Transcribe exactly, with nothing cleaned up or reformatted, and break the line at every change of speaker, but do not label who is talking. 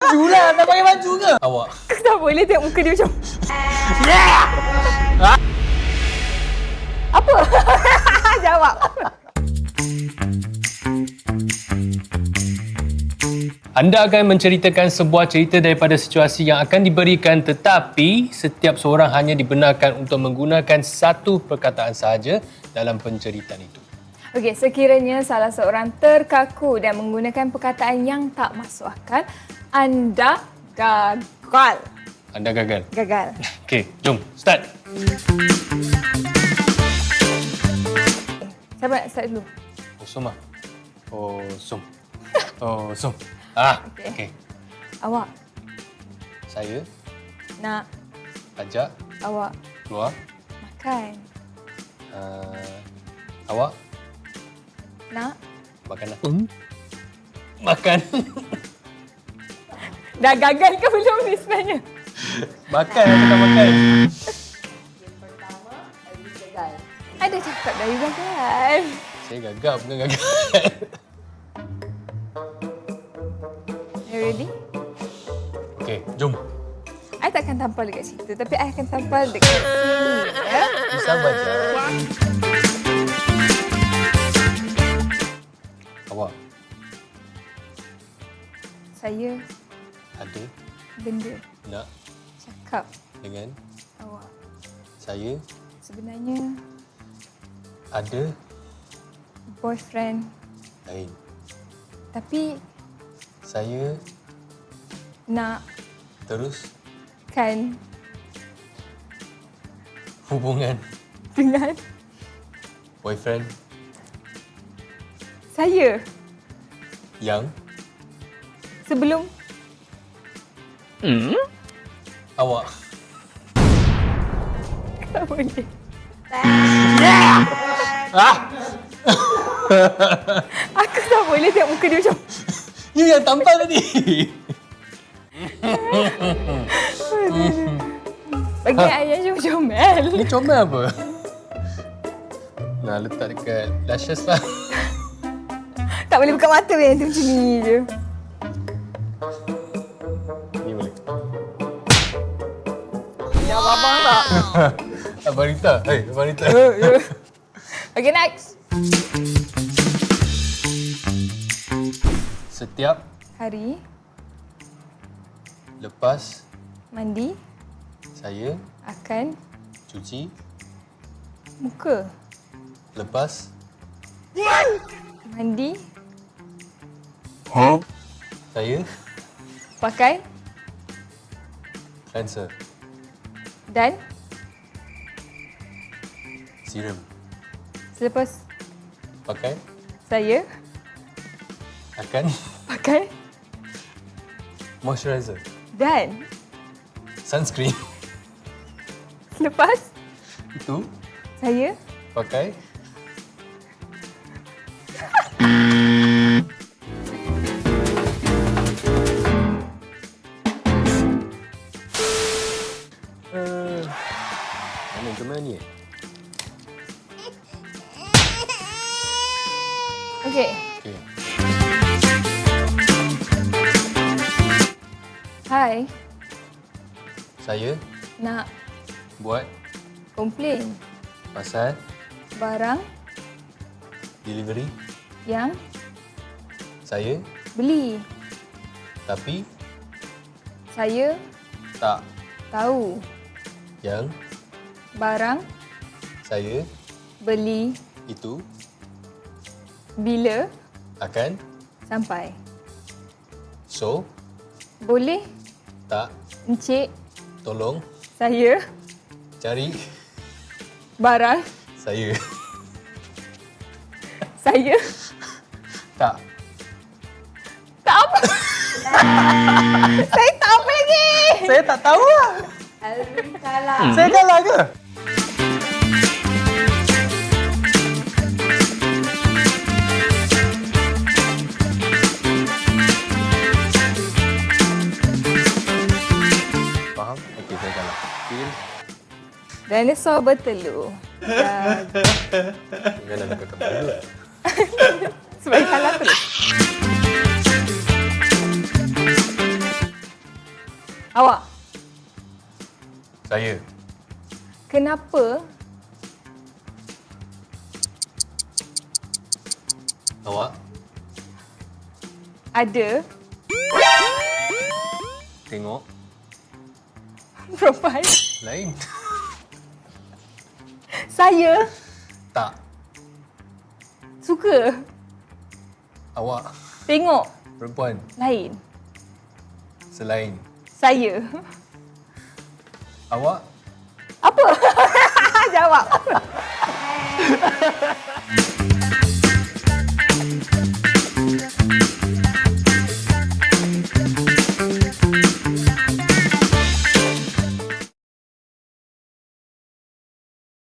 baju lah. Tak pakai baju ke? Awak.
Tak boleh tengok muka dia macam...
Yeah!
Apa? Jawab.
Anda akan menceritakan sebuah cerita daripada situasi yang akan diberikan, tetapi setiap seorang hanya dibenarkan untuk menggunakan satu perkataan sahaja dalam penceritaan itu.
Okey, sekiranya salah seorang terkaku dan menggunakan perkataan yang tak masuk akal, anda gagal.
Anda gagal.
Gagal.
Okey, jom start.
Siapa nak start dulu?
Kosong ah. Kosong. Kosong. Ah, okey.
Okey.
Okay.
Awak
Saya
nak
ajak
awak
keluar.
makan.
Uh, awak
Nak
makan lah. Hmm? Makan.
dah gagal ke belum ni sebenarnya?
Makan atau tak makan?
Yang pertama, Aziz gagal. Ada cakap dari gagal.
Saya gagal, bukan gagal.
You ready?
Okey, jom.
I takkan tampal dekat situ, tapi I akan tampal dekat sini. Ya?
Sabar je. Awak
Saya
ada
benda
nak
cakap
dengan
awak.
saya
Sebenarnya
ada
boyfriend,
lain.
tapi
Saya
nak
terus
kan
hubungan
dengan
boyfriend
saya
yang
sebelum
awak.
tak boleh.
Ah!
Aku tak boleh tengok muka dia macam
You yang tampal tadi.
bagi ayah je comel.
Ni comel apa? Nah, letak dekat lashes lah.
Tak boleh buka mata yang tu macam ni je.
Ni boleh.
Jawab abang tak?
Abang Rita. Hei, Abang Rita.
Okay, next.
Setiap
Hari
lepas
mandi
saya
akan
cuci,
muka.
lepas
Mandi
saya
pakai
cleanser,
dan
serum,
selepas
pakai
saya
akan
pakai
moisturizer,
dan
sunscreen.
selepas
Itu
saya
pakai uh, mana ke mana ni?
okey.
Okey.
Hai,
Saya
nak
buat
komplain
pasal
barang
delivery
yang
saya,
beli.
tapi
Saya
tak
tahu
yang
barang
saya
beli
itu
bila
akan.
sampai.
So,
Boleh
tak
Encik
tolong
saya
cari
barang
saya.
saya
Tak.
tak apa. Saya tak apa lagi.
Saya tak tahu lah.
Alvin kalah.
Hmm. Saya kalah ke? Faham? Okey, saya kalah. Feel.
Dinosaur bertelur. Dan
Janganlah nak kata dulu.
sebab kalah terus. Awak.
Saya.
Kenapa
Awak.
ada
Tengok.
perempuan?
Lain.
Saya
Tak.
suka
Awak.
tengok
Perempuan.
lain.
Selain.
Saya.
Awak.
Apa? Jawab.